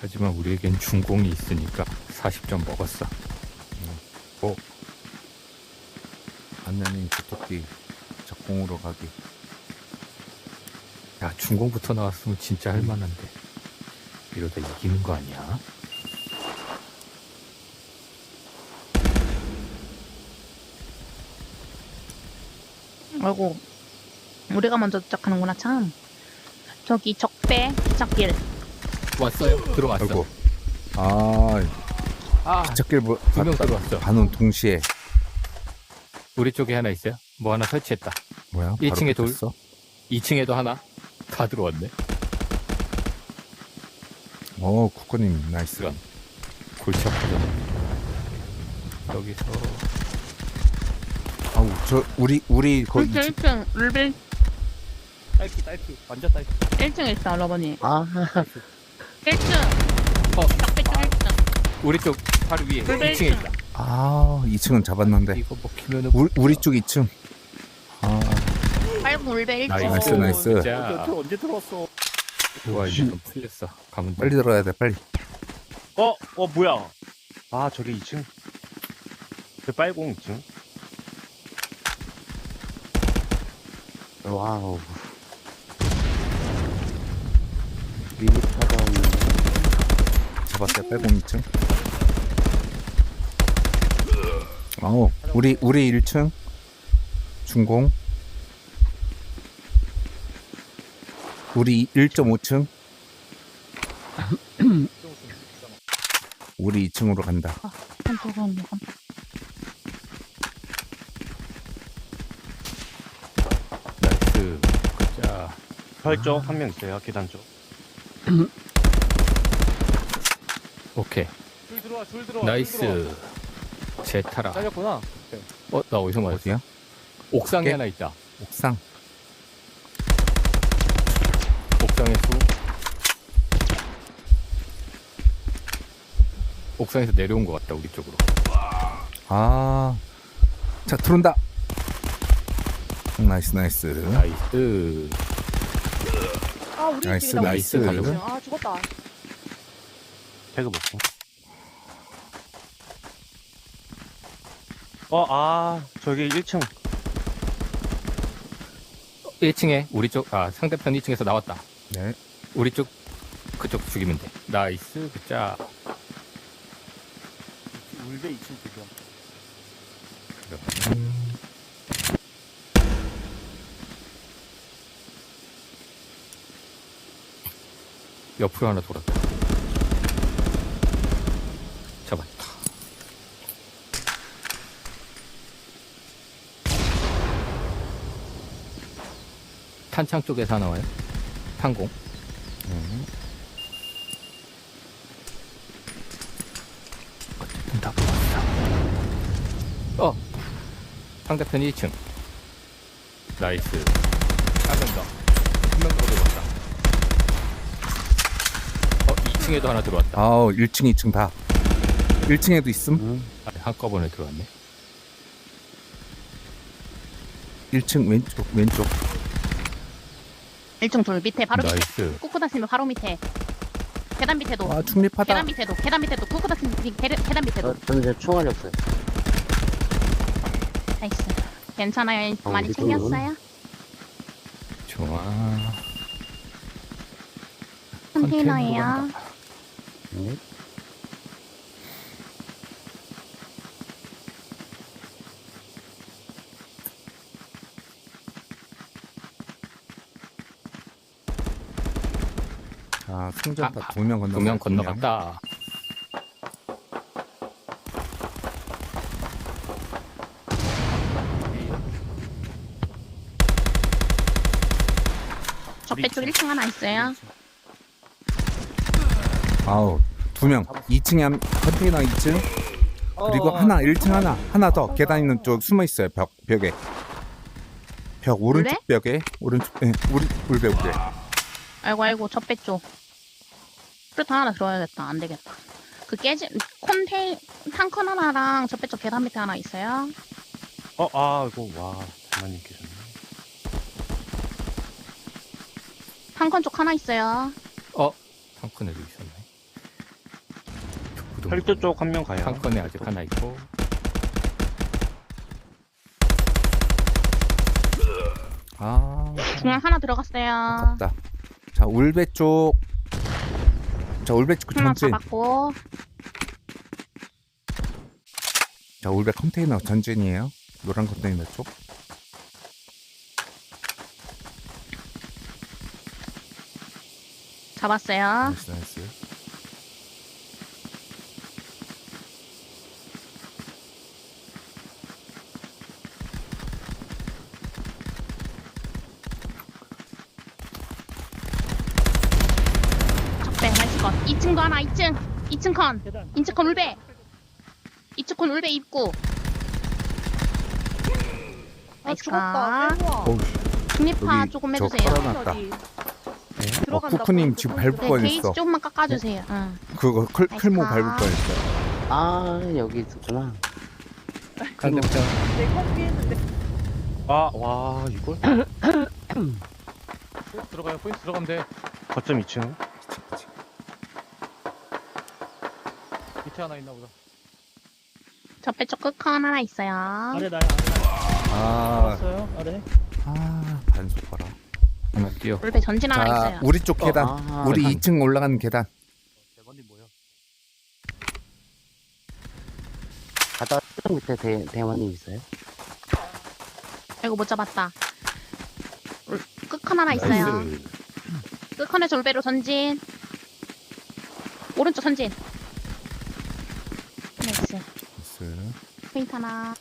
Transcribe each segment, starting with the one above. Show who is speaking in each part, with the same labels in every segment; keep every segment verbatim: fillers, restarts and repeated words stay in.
Speaker 1: 하지만 우리에겐 중공이 있으니까 사십 점 먹었어.
Speaker 2: 어? 안내님 주토끼 적공으로 가기.
Speaker 1: 야, 중공부터 나왔으면 진짜 할만한데. 이러다 이기는 거 아니야?
Speaker 3: 아이고, 우리가 먼저 도착하는구나. 참. 저기 적배 기찻길.
Speaker 1: 왔어요? 들어왔어.
Speaker 2: 아이고. 아,
Speaker 1: 아,
Speaker 2: 기찻길 뭐,
Speaker 1: 두 명 들어왔어.
Speaker 2: 반응 동시에.
Speaker 1: 우리 쪽에 하나 있어요. 뭐 하나 설치했다.
Speaker 2: 뭐야?
Speaker 1: 일 층에 돌.
Speaker 2: 어
Speaker 1: 이 층에도 하나. 다 들어왔네.
Speaker 2: 어, 쿠커님 나이스.
Speaker 1: 이런. 골치 아프잖아. 여기서
Speaker 2: 아우, 저 우리 우리 거기
Speaker 3: 일 층, 일 층, 룰빌
Speaker 1: 딸기 딸기 완전 딸기.
Speaker 3: 일 층에 있어, 러버니.
Speaker 4: 아,
Speaker 3: 일 층.
Speaker 1: 어,
Speaker 3: 적배 쪽 일 층.
Speaker 1: 우리 쪽 바로 위에
Speaker 3: 룰빌
Speaker 1: 이 층에
Speaker 3: 일 층.
Speaker 1: 있다.
Speaker 2: 아, 이 층은 잡았는데.
Speaker 1: 이거 먹히면은
Speaker 2: 우리 우리 쪽 이 층. 아,
Speaker 3: 빨간 울베 일 층.
Speaker 2: 나이스, 나이스.
Speaker 1: 자,
Speaker 4: 언제 들어왔어?
Speaker 1: 와 이제 좀 풀렸어. 가면
Speaker 2: 빨리 들어가야 돼, 빨리.
Speaker 4: 어, 어, 뭐야? 아, 저게 이 층? 그 빨공 이 층? 와우. 미니타가 없는.
Speaker 2: 잡았어요, 빨공 이 층. 아우, 우리 우리 일 층. 중공. 우리 일 점 오 층. 우리 이 층으로 간다.
Speaker 3: 한쪽은 이건.
Speaker 1: 나이스. 자,
Speaker 4: 혈쪽 한 명 있어요, 계단 쪽.
Speaker 1: 오케이.
Speaker 4: 줄 들어와, 줄 들어와.
Speaker 1: 나이스. 제타라.
Speaker 4: 잘렸구나.
Speaker 1: 어, 나 어디서 맞았어?
Speaker 2: 어디야?
Speaker 1: 옥상에
Speaker 2: 오케이.
Speaker 1: 하나 있다.
Speaker 2: 옥상.
Speaker 1: 옥상에서 옥상에서 내려온 것 같다 우리 쪽으로.
Speaker 2: 아, 자 들어온다. 나이스 나이스.
Speaker 1: 나이스.
Speaker 5: 아 우리
Speaker 2: 나이스,
Speaker 5: 집이다. 우리
Speaker 2: 나이스.
Speaker 5: 집이다.
Speaker 1: 가려고?
Speaker 5: 아 죽었다.
Speaker 4: 태그 먹고. 어, 아, 저기 일 층.
Speaker 1: 일 층에 우리 쪽, 아 상대편 이 층에서 나왔다.
Speaker 2: 네.
Speaker 1: 우리 쪽 그쪽 죽이면 돼. 나이스. 자,
Speaker 4: 울베 이 층 그죠.
Speaker 1: 옆으로 하나 돌았다. 잡았다. 탄창 쪽에서 하나 와요. 탄공.
Speaker 2: 음.
Speaker 1: 어쨌든 다 뽑았어. 어! 상대편 이 층. 나이스. 한 명 더. 한 명 더 들어왔다. 어, 이 층에도 하나 들어왔다.
Speaker 2: 아우, 일 층, 이 층 다. 일 층에도 있음.
Speaker 1: 아, 한꺼번에 들어왔네.
Speaker 2: 일 층 왼쪽 왼쪽.
Speaker 3: 일 층 돌 밑에 바로 밑에.
Speaker 1: 나이스.
Speaker 3: 꾹꾹 다시면 바로 밑에. 계단 밑에도.
Speaker 2: 아, 중립하다.
Speaker 3: 계단 밑에도. 계단 밑에도. 꾹꾹 다시면 계단, 계단 밑에도.
Speaker 6: 저는 이제 총알이 없어요.
Speaker 3: 나이스. 괜찮아요.
Speaker 6: 어,
Speaker 3: 많이
Speaker 6: 우리
Speaker 3: 챙겼어요?
Speaker 1: 좋아.
Speaker 3: 컨테이너예요.
Speaker 6: 네.
Speaker 2: 아, 승전파
Speaker 1: 아,
Speaker 2: 두 명 건너.
Speaker 1: 두 명 건너갔다.
Speaker 3: 적배 쪽 일 층 하나 있어요.
Speaker 2: 아우, 두 명. 이 층에 한 컨테이너 이 층. 그리고 하나 일 층 하나. 하나 더 계단 있는 쪽 숨어 있어요. 벽 벽에. 벽 오른쪽 벽에 오른쪽 예, 우리 울배 울배.
Speaker 3: 아이고 아이고 적배 쪽. 프루트 하나 들어야겠다. 안 되겠다. 그 깨진 콘테이 탕컨 하나랑 적배 쪽 계단 밑에 하나 있어요.
Speaker 4: 어, 아, 이거, 와, 장관님 계셨네.
Speaker 3: 탕컨 쪽 하나 있어요.
Speaker 1: 어? 탕크네도 있었네.
Speaker 4: 철도 쪽 한 명 가요.
Speaker 1: 상권에 아직 하나 있고.
Speaker 2: 아,
Speaker 3: 중앙 하나 들어갔어요.
Speaker 2: 아깝다. 자, 울배 쪽. 자, 울배 쪽
Speaker 3: 하나
Speaker 2: 전진.
Speaker 3: 잡았고.
Speaker 2: 자, 울배 컨테이너 전진이에요. 노란 컨테이너 쪽.
Speaker 3: 잡았어요.
Speaker 2: 나이스, 나이스.
Speaker 3: 적배 나이스 건. 이 층도 하나 이 층. 이 층 컨.
Speaker 5: 계단.
Speaker 3: 이 층 컨 울배. 이 층 컨 울배 입구.
Speaker 5: 아
Speaker 3: 나이스
Speaker 5: 죽었다.
Speaker 3: 컷.
Speaker 5: 대박.
Speaker 2: 어우,
Speaker 3: 중립파
Speaker 2: 여기
Speaker 3: 조금
Speaker 2: 저
Speaker 3: 해주세요.
Speaker 2: 깔아- 놨다.
Speaker 5: 어디?
Speaker 2: 어,
Speaker 5: 들어간다.
Speaker 2: 쿠쿠님
Speaker 5: 포인트,
Speaker 2: 지금
Speaker 5: 포인트.
Speaker 2: 밟을
Speaker 3: 네,
Speaker 2: 뻔했어.
Speaker 3: 게이지 조금만 깎아주세요. 응.
Speaker 2: 그거 클,
Speaker 3: 나이스
Speaker 2: 클모
Speaker 3: 컷.
Speaker 2: 밟을 뻔했어.
Speaker 6: 아, 여기 있었구나.
Speaker 1: 상대편
Speaker 5: 내 컴비 했는데.
Speaker 4: 아, 와, 이걸?
Speaker 1: 포인트 들어가요. 포인트 들어가면 돼.
Speaker 4: 거점 이 층.
Speaker 1: 밑에 하나 있나 보다.
Speaker 3: 저배 쪽 끝컨 하나 있어요.
Speaker 5: 아래 나야. 아래
Speaker 2: 아,
Speaker 5: 나왔어요. 아래.
Speaker 2: 아, 반속 봐라.
Speaker 1: 하나 뛰어.
Speaker 3: 울배 전진 하나
Speaker 2: 자,
Speaker 3: 있어요.
Speaker 2: 우리 쪽 계단.
Speaker 6: 아,
Speaker 2: 우리
Speaker 6: 계단.
Speaker 2: 이 층 올라가는 계단.
Speaker 1: 대번님 뭐야?
Speaker 6: 바다 쪽 밑에 대, 대원님 있어요?
Speaker 3: 아이고 못 잡았다. 울- 끝컨 하나 있어요.
Speaker 2: 나이스.
Speaker 3: 끝컨에서 울배로 전진. 오른쪽 전진. 나이스.
Speaker 2: 나이스.
Speaker 3: 포인트 하나.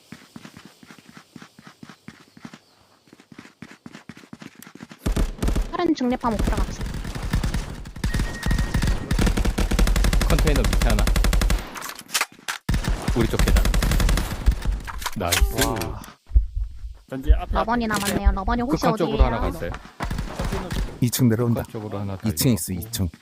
Speaker 3: 다른 중립파 못 들어갔어.
Speaker 1: 컨테이너 밑에 하나. 우리 쪽 계단. 나이스.
Speaker 5: 전지 앞에.
Speaker 3: 러번이 남았네요. 러번이 혹시
Speaker 1: 극한 쪽으로 하나
Speaker 3: 어디에요?
Speaker 1: 갔어요.
Speaker 2: 이 층 내려온다.
Speaker 1: 극한 쪽으로 하나 더
Speaker 2: 이 층 있어,
Speaker 1: 있고.
Speaker 2: 이 층.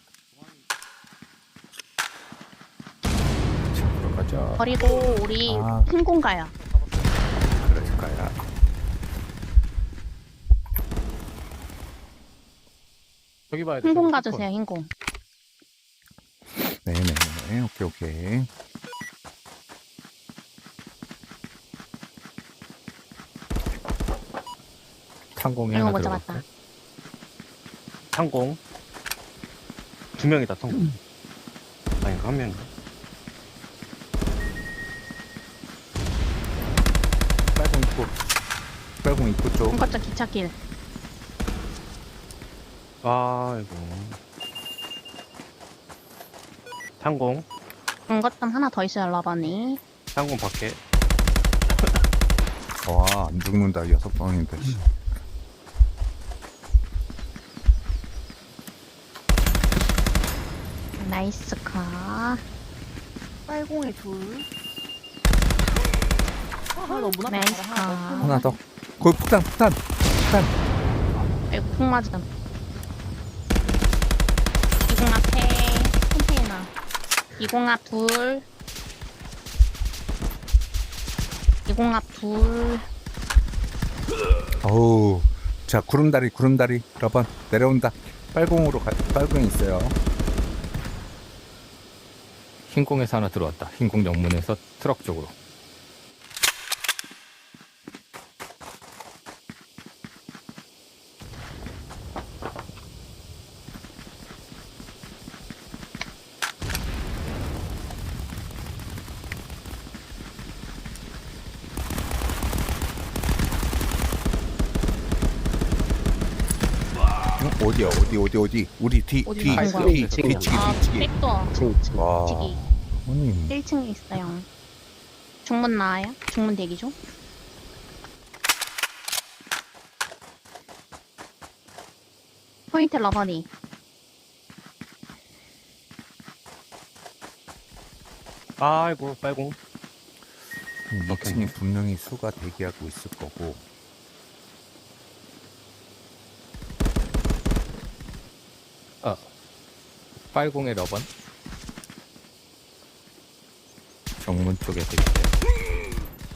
Speaker 1: 들어가자.
Speaker 3: 버리고 우리
Speaker 2: 아.
Speaker 3: 흰공 가요.
Speaker 2: 그럴까야.
Speaker 1: 저기 봐야 돼.
Speaker 3: 흰공
Speaker 1: 저기
Speaker 3: 가주세요. 흰공.
Speaker 2: 네네네. 오케이, 오케이.
Speaker 1: 탄공이
Speaker 3: 이거
Speaker 1: 하나
Speaker 3: 못
Speaker 1: 들어갔어.
Speaker 3: 잡았다.
Speaker 4: 상공. 두 명이다, 상공. 아닌가, 한 명인가?
Speaker 2: 빨공 입구. 빨공 입구 쪽.
Speaker 3: 한거점 기차길.
Speaker 4: 아이고. 상공.
Speaker 3: 한거점 하나 더 있어요. 러번이.
Speaker 4: 상공 밖에.
Speaker 2: 와, 안 죽는다. 여섯 방인데. 씨.
Speaker 3: 나이스 카.
Speaker 5: 빨공에 둘. 아, 너무 나.
Speaker 3: 나이스 카.
Speaker 2: 하나 더. 거기 폭탄, 폭탄. 폭탄.
Speaker 3: 아이고 콩 맞음. 이공 앞에 컨테이너. 이공 앞 둘. 이공 앞 둘.
Speaker 2: 어우. 자, 구름다리, 구름다리. 러번. 내려온다. 빨공으로 가, 빨공 있어요.
Speaker 1: 흰공에서 하나 들어왔다. 흰공 정문에서 트럭 쪽으로.
Speaker 2: 응? 어디야, 어디, 어디, 어디. 우리 뒤,
Speaker 3: 어디
Speaker 2: 뒤,
Speaker 3: 가는 거야?
Speaker 2: 뒤,
Speaker 6: 이
Speaker 2: 뒤치기,
Speaker 3: 아,
Speaker 2: 뒤치기.
Speaker 3: 백도.
Speaker 6: 층, 층.
Speaker 2: 와,
Speaker 3: 뒤치기.
Speaker 2: 형님.
Speaker 3: 일 층에 있어요. 중문 나와요? 중문 대기 중. 포인트 러버니.
Speaker 4: 아이고, 빨공.
Speaker 2: 이 층에 분명히 수가 대기하고 있을 거고.
Speaker 1: 아, 빨공의 러번. 정문 쪽에서 있대.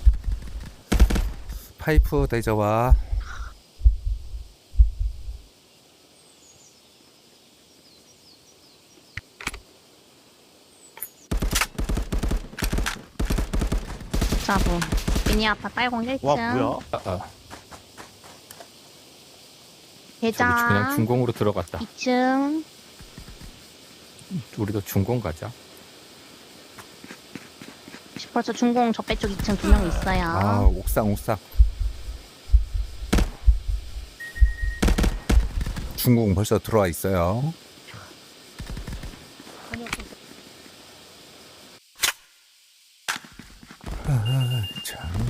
Speaker 2: 파이프 대저와
Speaker 3: 이십사 분. 미니 아파 빨공 일 층.
Speaker 4: 와 뭐야?
Speaker 1: 아, 아. 저기
Speaker 3: 대장
Speaker 1: 그냥 중공으로 들어갔다.
Speaker 3: 이 층.
Speaker 1: 우리도 중공 가자.
Speaker 3: 벌써 중공 적배 쪽 이 층 두 명 있어요.
Speaker 2: 아 옥상 옥상. 중공 벌써 들어와 있어요. 아, 참.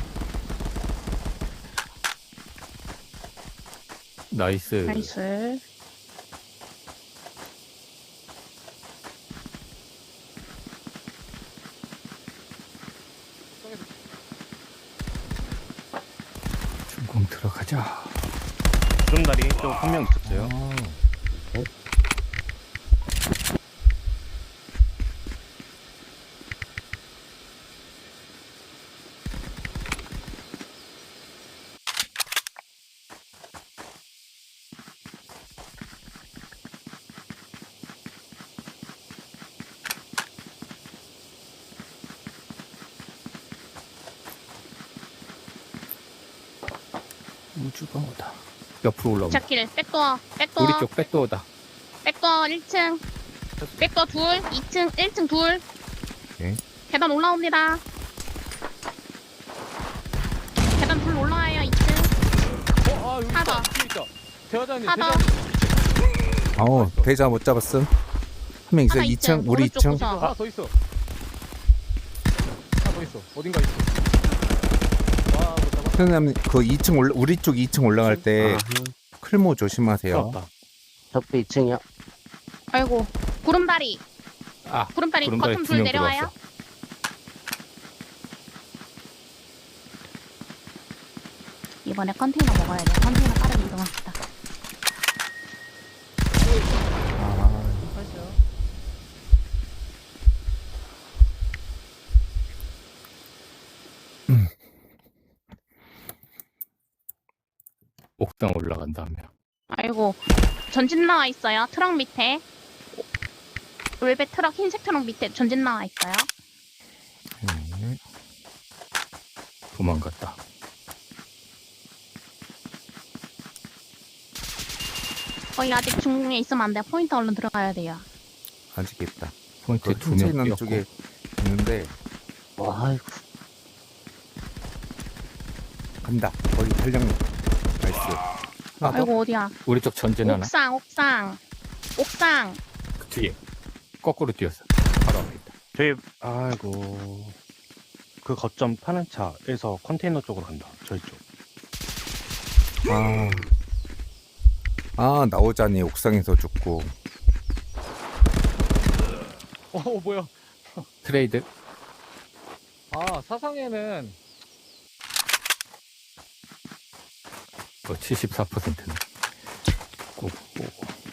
Speaker 1: 나이스.
Speaker 3: 나이스.
Speaker 1: 중공 들어가자.
Speaker 4: 구름다리 또 한 명 있었어요.
Speaker 1: 우주가 오다. 옆으로 올라온다.
Speaker 3: 자길 백도어 백도어
Speaker 1: 우리 쪽 백도어다.
Speaker 3: 백도어 일 층. 백도어 둘 이 층 일 층 둘.
Speaker 2: 오케이.
Speaker 3: 계단 올라옵니다. 계단 둘 올라와요 이 층.
Speaker 1: 어, 아, 여기
Speaker 3: 하나
Speaker 1: 있다.
Speaker 3: 더.
Speaker 1: 뒤에 있다. 대화장님,
Speaker 3: 하나
Speaker 1: 대장.
Speaker 2: 어 대자 못 잡았음. 한 명 있어요.
Speaker 3: 하나
Speaker 2: 이 층
Speaker 3: 있죠.
Speaker 2: 우리
Speaker 3: 오른쪽
Speaker 2: 이 층.
Speaker 3: 구석.
Speaker 1: 하나 더 있어. 하나 더 있어. 어딘가 있어. 와, 못 잡아.
Speaker 2: 선생님 그 이 층 올라 우리 쪽 이 층 올라갈 때 클모 조심하세요.
Speaker 4: 없다.
Speaker 6: 적배 이 층이요.
Speaker 3: 아이고 구름다리.
Speaker 1: 아,
Speaker 3: 구름다리
Speaker 1: 구름다리
Speaker 3: 커튼
Speaker 1: 두
Speaker 3: 둘
Speaker 1: 명
Speaker 3: 내려와요.
Speaker 1: 들어왔어.
Speaker 3: 이번에 컨테이너 먹어야 돼. 컨테이너 빠르게 이동합시다.
Speaker 1: 옥상 올라간다 하면.
Speaker 3: 아이고 전진 나와 있어요. 트럭 밑에. 웰벳 트럭 흰색 트럭 밑에 전진 나와 있어요.
Speaker 2: 네.
Speaker 1: 도망갔다.
Speaker 3: 거기 아직 중공에 있으면 안 돼. 포인트 얼른 들어가야 돼요.
Speaker 2: 아직 있다.
Speaker 1: 포인트
Speaker 2: 그
Speaker 1: 두명
Speaker 2: 훔쳐 있는
Speaker 1: 뛰었고.
Speaker 2: 쪽에 있는데
Speaker 6: 와, 아이고.
Speaker 2: 간다. 거기 탄력. 나이스. 하나 더.
Speaker 3: 아이고 어디야?
Speaker 1: 우리 쪽 전진 하나.
Speaker 3: 옥상 옥상 옥상.
Speaker 1: 그 뒤에. 거꾸로 뛰었어. 바로 앞에 있다.
Speaker 4: 저희 아이고 그 거점 파는 차에서 컨테이너 쪽으로 간다. 저희 쪽.
Speaker 2: 아. 아 나오자니 옥상에서 죽고.
Speaker 1: 어, 뭐야. 트레이드. 아, 사상에는 어, 칠십사 퍼센트네. 고, 고.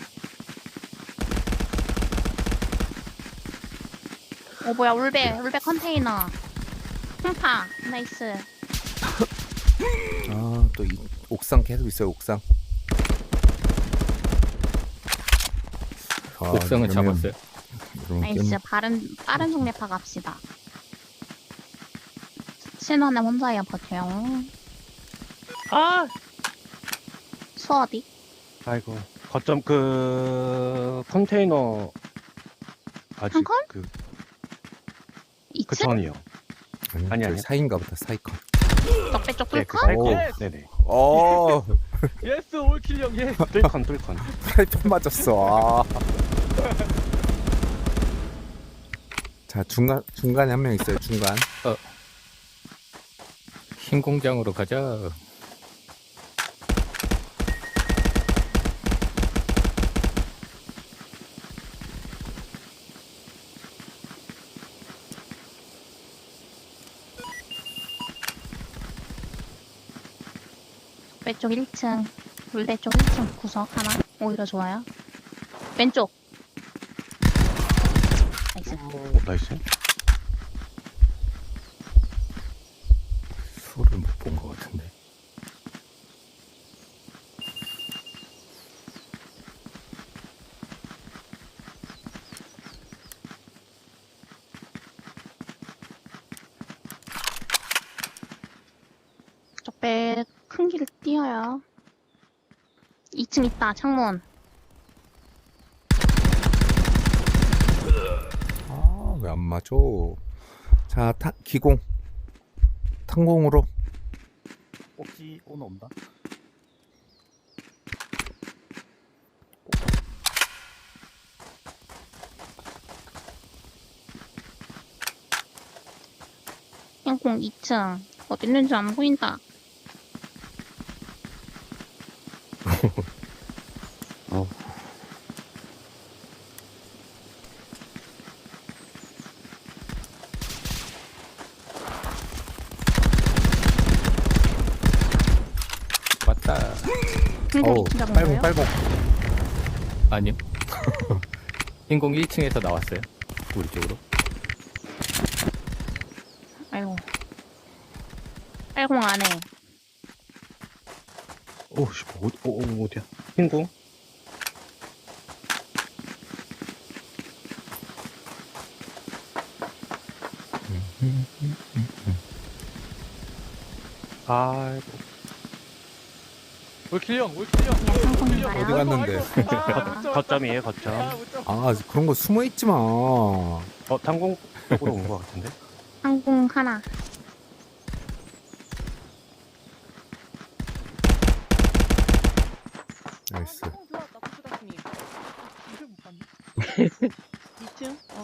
Speaker 3: 어 뭐야 울베 울베 컨테이너. 흠파 나이스.
Speaker 2: 아 또 이 옥상 계속 있어요. 옥상. 아,
Speaker 1: 옥상은
Speaker 2: 이러면-
Speaker 1: 잡았어요.
Speaker 2: 이러면
Speaker 3: 나이스.
Speaker 2: 게임-
Speaker 3: 빠른 빠른 속내파 갑시다. 신원에 혼자야 버텨요.
Speaker 4: 아
Speaker 3: 수 어디?
Speaker 4: 아이고 거점 그 컨테이너 아직
Speaker 3: 한 건?
Speaker 4: 그,
Speaker 3: 이
Speaker 4: 그
Speaker 3: 층?
Speaker 4: 전이요.
Speaker 2: 아니,
Speaker 4: 아니,
Speaker 2: 저
Speaker 4: 아니.
Speaker 2: 사인가 보다 사이컨.
Speaker 3: 적배 쪽
Speaker 4: 네, 그
Speaker 3: 뚫고?
Speaker 4: 사이코.
Speaker 2: 오.
Speaker 4: 네네.
Speaker 2: 어
Speaker 1: 예스, 올킬 형, 예.
Speaker 4: 뚫컨 뚫컨.
Speaker 2: 살편 맞았어. 아. 자 중간 중간에 한 명 있어요. 중간.
Speaker 1: 흰 공장으로 가자.
Speaker 3: 적배 쪽 일 층. 울베 쪽 일 층 구석 하나. 오히려 좋아요. 왼쪽. 나이스.
Speaker 4: 오, 나이스.
Speaker 1: 수를 못 본 것 같은데.
Speaker 3: 뛰어요. 이 층 있다, 창문.
Speaker 2: 아, 왜 안 맞아? 자, 타, 기공. 탄공으로.
Speaker 5: 혹시 오늘 온다?
Speaker 3: 행공 이 층. 어디 있는지 안 보인다.
Speaker 6: 어.
Speaker 1: 왔다.
Speaker 3: 행공
Speaker 2: 어우,
Speaker 3: 이 층 잡은
Speaker 2: 빨공,
Speaker 3: 거예요?
Speaker 2: 빨공.
Speaker 1: 아니요. 인공 일 층에서 나왔어요. 우리 쪽으로.
Speaker 3: 아이고. 빨공 안에.
Speaker 4: 오씨 어디 어, 어, 어디야? 흰공? 아이고.
Speaker 1: 올킬형, 올킬형.
Speaker 3: 그냥 상품인가요?
Speaker 2: 어디 갔는데?
Speaker 4: 거, 거점이에요 거점.
Speaker 2: 아, 그런 거 숨어 있지 마.
Speaker 4: 어 탄공 쪽으로 온 것 같은데.
Speaker 3: 항공 하나.
Speaker 2: 나이스.
Speaker 5: 어, 들어왔다, 코스다스님. 이걸 못 봤네. 이 층? 어.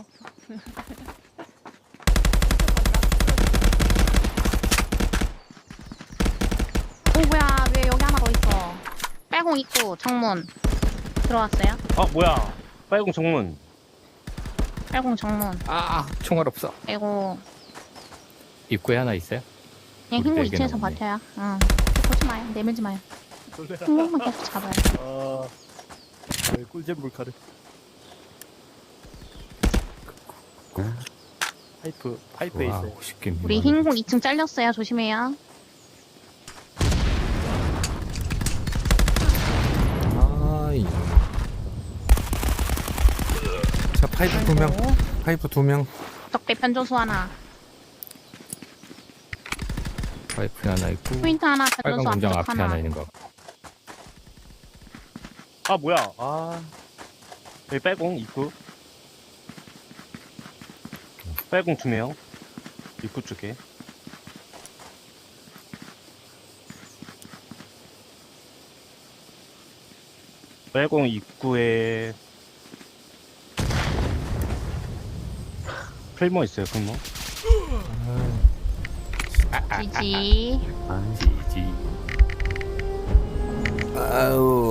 Speaker 3: 오, 뭐야. 왜 여기 하나 더 있어. 빨공 입구, 정문. 들어왔어요?
Speaker 4: 아 뭐야? 빨공 정문.
Speaker 3: 빨공 정문.
Speaker 1: 아, 총알 없어.
Speaker 3: 아이고.
Speaker 1: 입구에 하나 있어요?
Speaker 3: 그냥
Speaker 1: 우리
Speaker 3: 행공
Speaker 1: 네
Speaker 3: 이 층에서
Speaker 1: 개나
Speaker 3: 버텨요. 응. 보지 마요. 내밀지 마요.
Speaker 5: 놀래라.
Speaker 3: 행공만 계속 잡아요.
Speaker 5: 어. 꿀잼 물카를. 파이프, 파이프에
Speaker 1: 와,
Speaker 5: 있어요.
Speaker 1: 오십 개
Speaker 3: 우리
Speaker 1: 미만.
Speaker 3: 행공 이 층 잘렸어요. 조심해요.
Speaker 2: 아, 이놈. 자, 파이프 두 명.
Speaker 3: 아이고.
Speaker 2: 파이프 두 명.
Speaker 3: 적배 편조수 하나.
Speaker 1: 파이프 하나 있고.
Speaker 3: 포인트 하나,
Speaker 1: 빨간
Speaker 3: 편조수
Speaker 1: 공장
Speaker 3: 앞쪽
Speaker 1: 앞에
Speaker 3: 하나.
Speaker 1: 하나 있는 거.
Speaker 4: 아 뭐야? 아 여기 빨공 입구. 빨공 두 명. 입구 쪽에. 빨공 입구에 풀모 있어요, 풀모.
Speaker 3: 지지.
Speaker 6: 아,
Speaker 1: 지지.
Speaker 2: 아우.